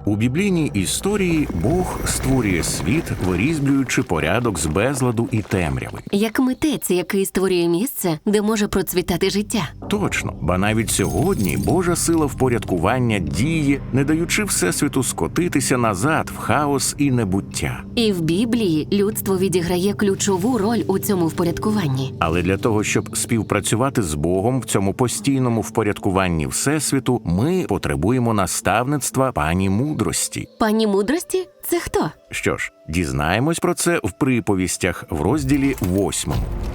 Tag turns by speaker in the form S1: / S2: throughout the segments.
S1: У біблійній історії Бог створює світ, вирізблюючи порядок з безладу і темряви.
S2: Як митець, який створює місце, де може процвітати життя.
S1: Точно, ба навіть сьогодні Божа сила впорядкування діє, не даючи Всесвіту скотитися назад в хаос і небуття.
S2: І в Біблії людство відіграє ключову роль у цьому впорядкуванні.
S1: Але для того, щоб співпрацювати з Богом в цьому постійному впорядкуванні Всесвіту, ми потребуємо наставництва пані мудрості.
S2: Пані мудрості – це хто?
S1: Що ж, дізнаємось про це в приповістях в розділі 8.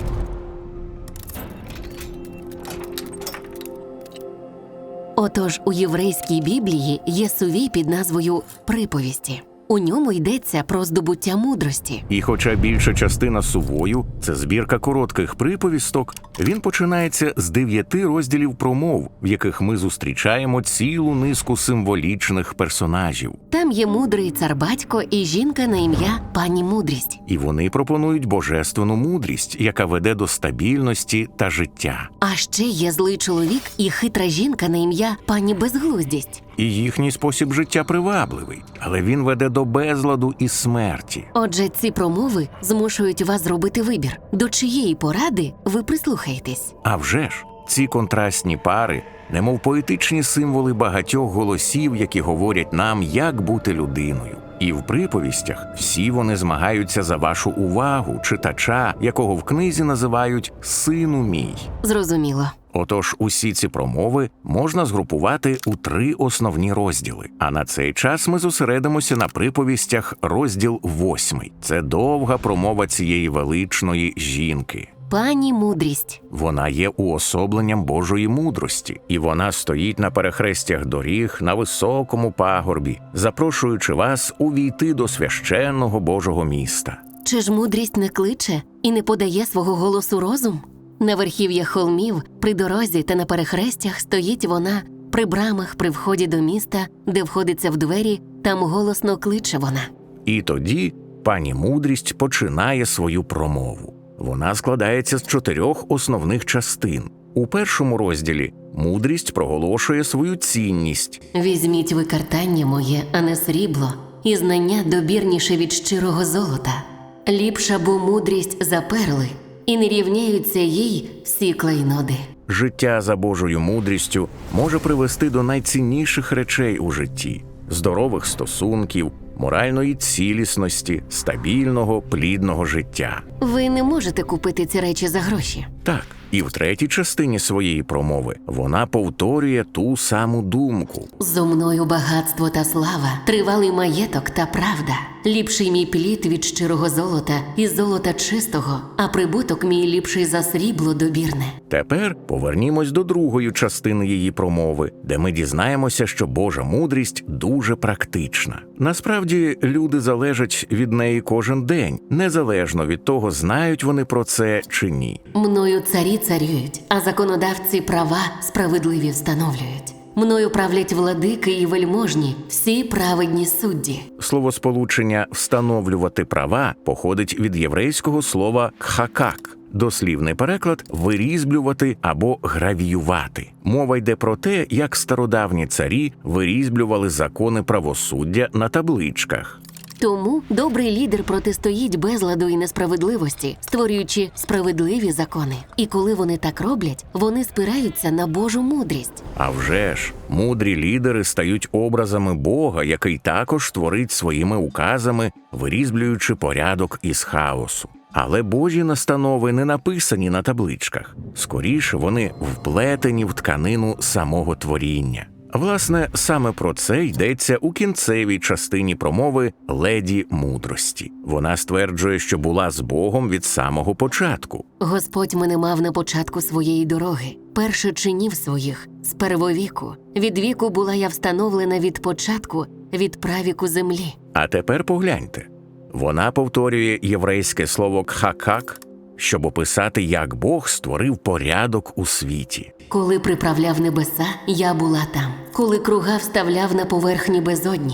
S2: Отож, у єврейській Біблії є сувій під назвою «Приповісті». У ньому йдеться про здобуття мудрості.
S1: І хоча більша частина сувою – це збірка коротких приповісток, він починається з 9 розділів промов, в яких ми зустрічаємо цілу низку символічних персонажів.
S2: Там є мудрий цар-батько і жінка на ім'я пані Мудрість.
S1: І вони пропонують божественну мудрість, яка веде до стабільності та життя.
S2: А ще є злий чоловік і хитра жінка на ім'я пані Безглуздість.
S1: І їхній спосіб життя привабливий, але він веде до безладу і смерті.
S2: Отже, ці промови змушують вас зробити вибір. До чиєї поради ви прислухаєтесь?
S1: А вже ж, ці контрастні пари, немов поетичні символи багатьох голосів, які говорять нам, як бути людиною. І в приповістях всі вони змагаються за вашу увагу, читача, якого в книзі називають «сину мій».
S2: Зрозуміло.
S1: Отож, усі ці промови можна згрупувати у 3 основні розділи. А на цей час ми зосередимося на приповістях розділ 8. Це довга промова цієї величної жінки.
S2: Пані Мудрість.
S1: Вона є уособленням Божої мудрості, і вона стоїть на перехрестях доріг на високому пагорбі, запрошуючи вас увійти до священного Божого міста.
S2: Чи ж мудрість не кличе і не подає свого голосу розум? На верхів'ях холмів, при дорозі та на перехрестях стоїть вона, при брамах, при вході до міста, де входиться в двері, там голосно кличе вона.
S1: І тоді пані мудрість починає свою промову. Вона складається з 4 основних частин. У першому розділі мудрість проголошує свою цінність.
S2: «Візьміть ви картання моє, а не срібло, і знання добірніше від щирого золота. Ліпша бо мудрість за перли, і не рівняються їй всі клейноди».
S1: Життя за Божою мудрістю може привести до найцінніших речей у житті – здорових стосунків, моральної цілісності, стабільного, плідного життя.
S2: Ви не можете купити ці речі за гроші.
S1: Так, і в третій частині своєї промови вона повторює ту саму думку.
S2: «Зо мною багатство та слава, тривалий маєток та правда. Ліпший мій плід від щирого золота і золота чистого, а прибуток мій ліпший за срібло добірне».
S1: Тепер повернімось до другої частини її промови, де ми дізнаємося, що Божа мудрість дуже практична. Насправді, люди залежать від неї кожен день, незалежно від того, знають вони про це чи ні.
S2: «Мною царі царюють, а законодавці права справедливі встановлюють. Мною правлять владики і вельможні, всі праведні судді».
S1: Словосполучення «встановлювати права» походить від єврейського слова «кхакак». Дослівний переклад – вирізблювати або гравіювати. Мова йде про те, як стародавні царі вирізблювали закони правосуддя на табличках.
S2: Тому добрий лідер протистоїть безладу і несправедливості, створюючи справедливі закони. І коли вони так роблять, вони спираються на Божу мудрість.
S1: А вже ж, мудрі лідери стають образами Бога, який також творить своїми указами, вирізблюючи порядок із хаосу. Але Божі настанови не написані на табличках. Скоріше, вони вплетені в тканину самого творіння. Власне, саме про це йдеться у кінцевій частині промови «Леді мудрості». Вона стверджує, що була з Богом від самого початку.
S2: «Господь мене мав на початку своєї дороги, перше чинів своїх, з первовіку. Від віку була я встановлена від початку, від правіку землі».
S1: А тепер погляньте. Вона повторює єврейське слово «кхакак», щоб описати, як Бог створив порядок у світі.
S2: «Коли приправляв небеса, я була там. Коли круга вставляв на поверхні безодні.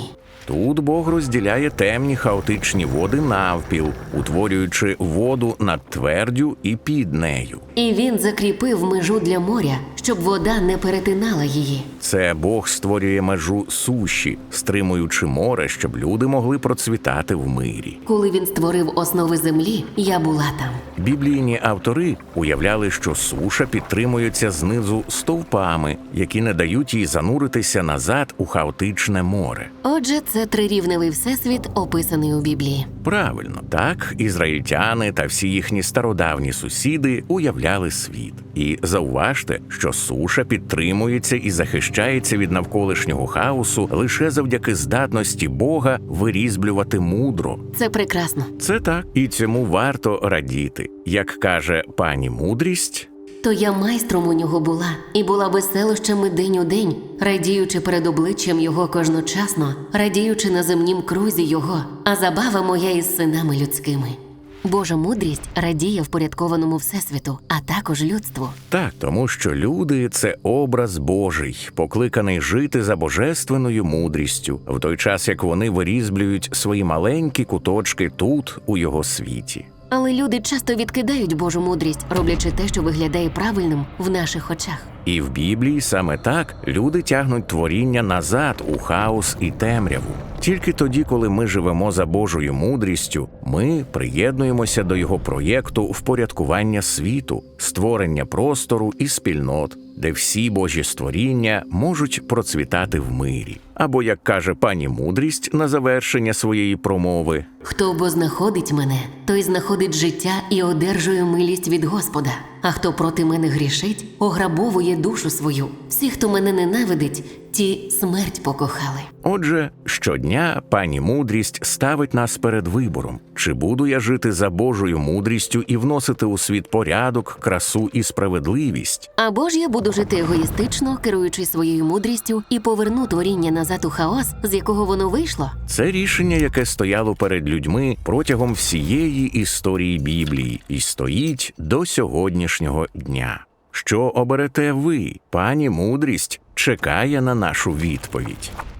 S1: Тут Бог розділяє темні хаотичні води навпіл, утворюючи воду над твердю і під нею.
S2: І він закріпив межу для моря, щоб вода не перетинала її.
S1: Це Бог створює межу суші, стримуючи море, щоб люди могли процвітати в мирі.
S2: Коли він створив основи землі, я була там.
S1: Біблійні автори уявляли, що суша підтримується знизу стовпами, які не дають їй зануритися назад у хаотичне море.
S2: Отже, це трирівневий всесвіт, описаний у Біблії.
S1: Правильно, так ізраїльтяни та всі їхні стародавні сусіди уявляли світ. І зауважте, що суша підтримується і захищається від навколишнього хаосу лише завдяки здатності Бога вирізблювати мудро.
S2: Це прекрасно.
S1: Це так, і цьому варто радіти. Як каже пані Мудрість,
S2: То я майстром у нього була, і була веселощами день у день, радіючи перед обличчям його кожночасно, радіючи на земнім крузі його, а забава моя із синами людськими. Божа мудрість радіє впорядкованому всесвіту, а також людству.
S1: так, тому що люди – це образ Божий, покликаний жити за божественною мудрістю, в той час, як вони вирізблюють свої маленькі куточки тут, у його світі.
S2: Але люди часто відкидають Божу мудрість, роблячи те, що виглядає правильним в наших очах.
S1: І в Біблії саме так люди тягнуть творіння назад у хаос і темряву. Тільки тоді, коли ми живемо за Божою мудрістю, ми приєднуємося до його проєкту впорядкування світу, створення простору і спільнот, де всі Божі створіння можуть процвітати в мирі. Або, як каже пані Мудрість на завершення своєї промови,
S2: Хто бо знаходить мене, той знаходить життя і одержує милість від Господа. А хто проти мене грішить, ограбовує душу свою. Всі, хто мене ненавидить, ті смерть покохали.
S1: Отже, щодня пані Мудрість ставить нас перед вибором. Чи буду я жити за Божою мудрістю і вносити у світ порядок, красу і справедливість?
S2: Або ж я буду жити егоїстично, керуючись своєю мудрістю, і поверну творіння назад у хаос, з якого воно вийшло?
S1: Це рішення, яке стояло перед людьми протягом всієї історії Біблії і стоїть до сьогоднішнього дня. Що оберете ви? Пані Мудрість чекає на нашу відповідь.